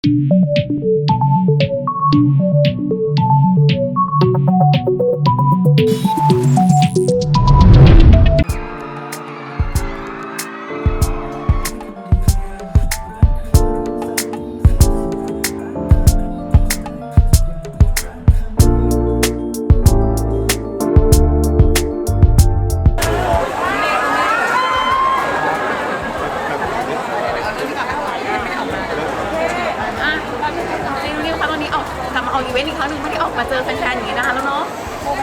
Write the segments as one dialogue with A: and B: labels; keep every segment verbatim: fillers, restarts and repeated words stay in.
A: อีเวนต์อีกครั้งหนึ่งไม่ได้ออกมาเจอแฟนๆอย่างนี้นะคะแล้วเนาะ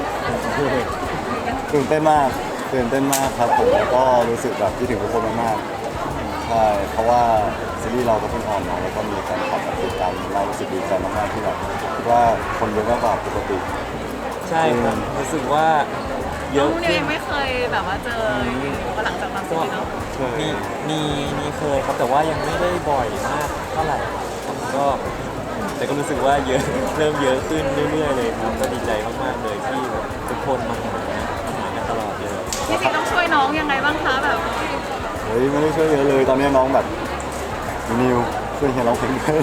B: ตื่นเต้นมากตื่นเต้นมากครับผมแล้วก็รู้สึกแบบคิดถึงทุกคนมากๆใช่เพราะว่าซีรีส์เราก็เพิ่งออนมาแล้วก็มีแฟนคลับมาติดตามเรารู้สึกดีใจมากๆที่แบบคิดว่าคนเยอะมากกว่าปกติ
C: ใช่ครับรู้สึกว่าเยอะ
A: ขึ้นเองไม่เคยแบบว่าเจอหลังจากตอนซีรีส์เนาะ
C: มีมีมีเคยครับแต่ว่ายังไม่ได้บ่อยมากเท่าไหร่ก็แต่ก็รู้สึกว่าเยอะเริ่มเยอะขึ้นเรื่อยๆเลยครับก็ดีใจมากๆเลยที่ทุกคนมาหามาหากันตลอดเลย
A: จริงๆต้องช่วยน้องยังไงบ้างคะแบบ
B: เฮ้ยไม่ได้ช่วยเยอะเลยตอนนี้น้องแบบนิวช่วยเฮียร้องเพลงด้วย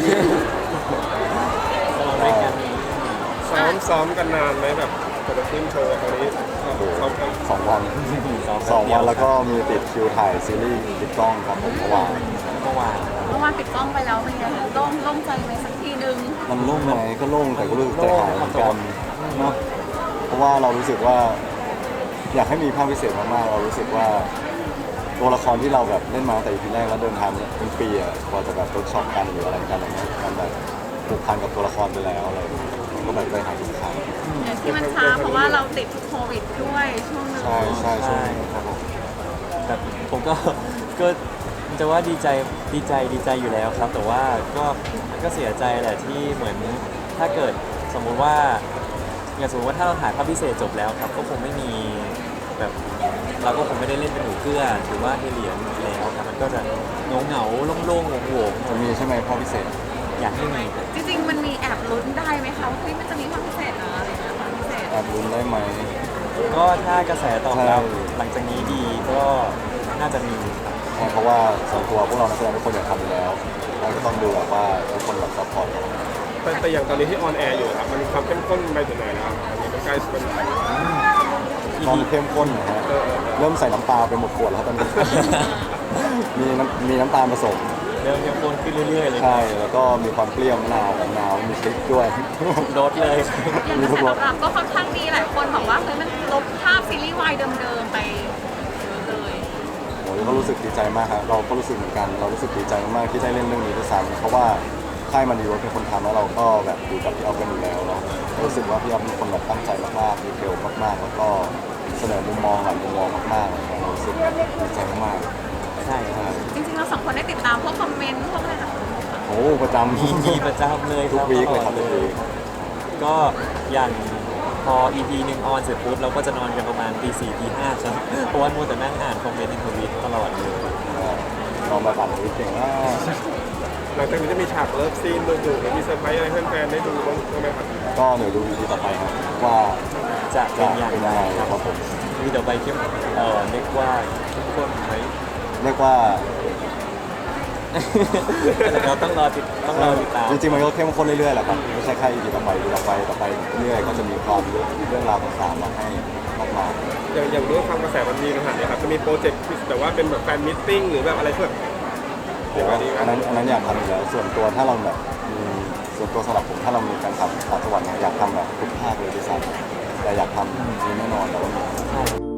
D: ซ้อมซ้อมกันนานไหมแบบจะขึ้นโชว์ตอนนี้ซ้อมกัน
B: สองวันสองวันแล้วก็มีติดคิวถ่ายซีรีส์ติดกล้องครับผมเมื่อวาน
C: เมื่อวาน
A: เมื่อวานปิดกล้องไปแล้วเป็นไงโล่งโล่งใจไหมสักทีนึง
B: มันโล่งไหมก็โล่งแต่ก็รู้สึกใจหายเหมือนกันเนาะเพราะว่าเรารู้สึกว่าอยากให้มีภาพพิเศษมากๆเรารู้สึกว่าตัวละครที่เราแบบเล่นมาตั้งแต่ อี พี แรกแล้วเดินทางเป็นปีอะพอจะแบบทดสอบกันหรืออะไรกันอะไรเงี้ยมันแบบผูกพันกับตัวละครไปแล้วอะไรก็แบบใจหายทุกครั้ง
A: ที่มันช้าเพราะว่าเราติดโควิดด้วยช่วงนึง
B: ใช่ใช่ใช่ครับผม
C: แบบผมก็ก็จะว่าดีใจดีใจดีใจอยู่แล้วครับแต่ว่าก็ก็เสียใจแหละที่เหมือนถ้าเกิดสมมุติว่าอย่างสมมติว่าถ้าเราถ่ายภาพพิเศษจบแล้วครับก็คงไม่มีแบบเราก็คงไม่ได้เล่นเป็นหนูเกื้อหรือว่าเฮเลียนแล้วครับมันก็จะเงาเงาโล่งๆโง่ๆ
B: จะมีใช่ไหมภาพพิเศษ
C: อยากให้มี
A: จริงๆมันมีแอบลุ้นได้ไหมคะว่ามันจะมีภาพพิเศษนะอะไรนะภาพพิเศษ
B: แอบลุ้นได้ไหม
C: ก็ถ้ากระแสตอบรับหลังจากนี้ดีก็น่าจะมี
B: เพราะว่าส่วนตัวพวกเรานักแสดงทุกคนอยากทำอยู่แล้วเราก็ต้องดูว่าทุกคนแบบซัพพอร์ต
D: แต่แต่อย่างตอนนี้ที่ออนแอร์อยู่ครับมันมีความเข้มข้นไปถึงไหนแล้วอันนี้มันใกล้เป็น
B: ความเข้มข้นนะฮะเริ่มใส่น้ำตาไปหมดขวดแล้วตอนนี้มีน้ำมีน้ำตาลผสม
C: เริ่มเข้มข้นขึ้นเรื่อยๆเลย
B: ใช่แล้วก็มีความเปรี้ยวมะนาวของนาวมีพริกด้วย
C: รสเลย
A: มีทุกรสก็ค่อนข้างดีหลายคนบอกว่าเฮ้ยมันลบภาพซีรีส์วายเดิมๆไป
B: โอ้ยก็รู้สึกดีใจมากครับเราก็รู้สึกเหมือนกันเรารู้สึกดีใจมากๆที่ได้เล่นเรื่องนี้ด้วยซ้ำเพราะว่าค่ายมันดีว่าเป็นคนทำแล้วเราก็แบบอยู่กับพี่อ๊อฟกันอยู่แล้วเนาะรู้สึกว่าพี่อ๊อฟเป็นคนแบบตั้งใจมากๆดีเทลมากๆแล้วก็เสนอมุมมองหลายมุมมองมากๆเลยรู้สึกดีใจมาก
C: ใช่ครับ
A: จริงๆเราสองคนได้ติดตามพวกคอมเมนต์พวกอะไรต่าง
B: ๆโอ้ประจำ
C: มีประจำเลยครับ
B: ทุกวีคเลยครับเลย
C: ก็อย่างพอ อี พี หนึ่งออนเสร็จปุ๊บเราก็จะนอนกันประมาณตีสี่ตีห้าใช่ไหมเพราะว่ามัวแต่นั่งอ่านคอมเมนต์ในทวิตตลอดเลย
B: ลองมาอ่านทวิตเก่งมาก
D: หลังจากนี้จะมีฉากเลิฟซีนดูดูมีเซอร์ไพรส์อะไรแฟนๆได้ดูบ้างไหมครับ
B: ก็เดี๋ยวดู อี พี ต่อไปครับว่า
C: จะเป็นอย่างไร
B: ครับผม
C: มีต่อไปเข้มเอ่อเรียกว่าทุกคนไหม
B: เรียกว่า
C: เราต้องรอติดต้องรอติดตาม
B: จริงๆมันก็เข้มข้นเรื่อยๆแหละครับไม่ใช่แค่ อี พี ต่อไปต่อไปต่อไปเรื่อยๆก็จะมีความเรื่องราวต่างๆมาให้มากมาย
D: อย่างอย่างด้วยความกระแสมันดีขนาดนี้ครับจะมีโปรเจกต์ที่แบบว่าเป็นแบบแฟนมิทติ้งหรือแบบอะไรเพื่อ
B: อันนั้นอันนั้นอยากทำอยู่แล้วส่วนตัวถ้าเราแบบมีส่วนตัวสำหรับผมถ้าเรามีการทำต่างจังหวัดเนี่ยอยากทำแบบทุกภาคเลยที่สุดแต่อยากทำมีแน่นอนแต่ว่ามี